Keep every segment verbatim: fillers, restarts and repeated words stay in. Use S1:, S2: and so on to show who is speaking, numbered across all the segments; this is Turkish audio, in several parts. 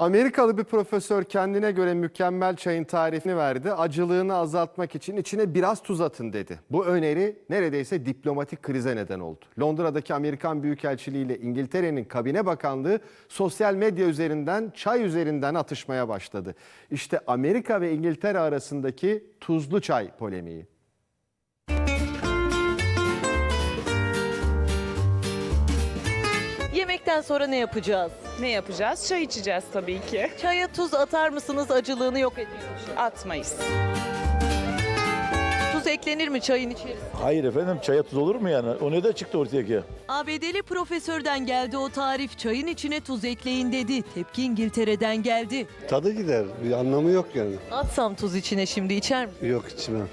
S1: Amerikalı bir profesör kendine göre mükemmel çayın tarifini verdi. Acılığını azaltmak için içine biraz tuz atın dedi. Bu öneri neredeyse diplomatik krize neden oldu. Londra'daki Amerikan Büyükelçiliği ile İngiltere'nin Kabine Bakanlığı sosyal medya üzerinden çay üzerinden atışmaya başladı. İşte Amerika ve İngiltere arasındaki tuzlu çay polemiği.
S2: Yemekten sonra ne yapacağız?
S3: Ne yapacağız? Çay içeceğiz tabii ki.
S2: Çaya tuz atar mısınız? Acılığını yok ediyor.
S3: Atmayız.
S2: Tuz eklenir mi çayın içerisine?
S4: Hayır efendim, çaya tuz olur mu yani? O ne de çıktı ortaya ki?
S2: A B D'li profesörden geldi o tarif. Çayın içine tuz ekleyin dedi. Tepki İngiltere'den geldi.
S5: Tadı gider. Bir anlamı yok yani.
S2: Atsam tuz içine şimdi içer misin?
S5: Yok içmem.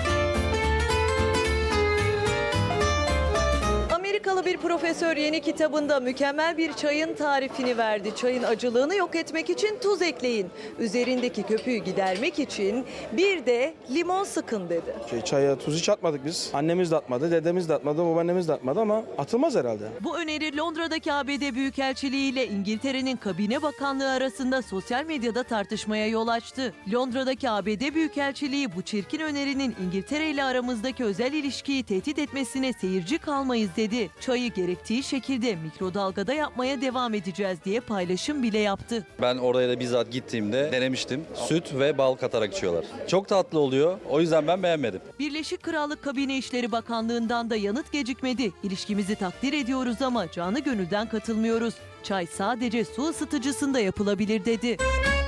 S2: Amerikalı bir profesör yeni kitabında mükemmel bir çayın tarifini verdi. Çayın acılığını yok etmek için tuz ekleyin. Üzerindeki köpüğü gidermek için bir de limon sıkın dedi.
S6: Şey, çaya tuz hiç atmadık biz. Annemiz de atmadı, dedemiz de atmadı, babaannemiz de atmadı ama atılmaz herhalde.
S2: Bu öneri Londra'daki A B D Büyükelçiliği ile İngiltere'nin Kabine Bakanlığı arasında sosyal medyada tartışmaya yol açtı. Londra'daki A B D Büyükelçiliği bu çirkin önerinin İngiltere ile aramızdaki özel ilişkiyi tehdit etmesine seyirci kalmayız dedi. Çayı gerektiği şekilde mikrodalgada yapmaya devam edeceğiz diye paylaşım bile yaptı.
S7: Ben oraya da bizzat gittiğimde denemiştim. Süt ve bal katarak içiyorlar. Çok tatlı oluyor. O yüzden ben beğenmedim.
S2: Birleşik Krallık Kabine İşleri Bakanlığı'ndan da yanıt gecikmedi. İlişkimizi takdir ediyoruz ama canı gönülden katılmıyoruz. Çay sadece su ısıtıcısında yapılabilir dedi.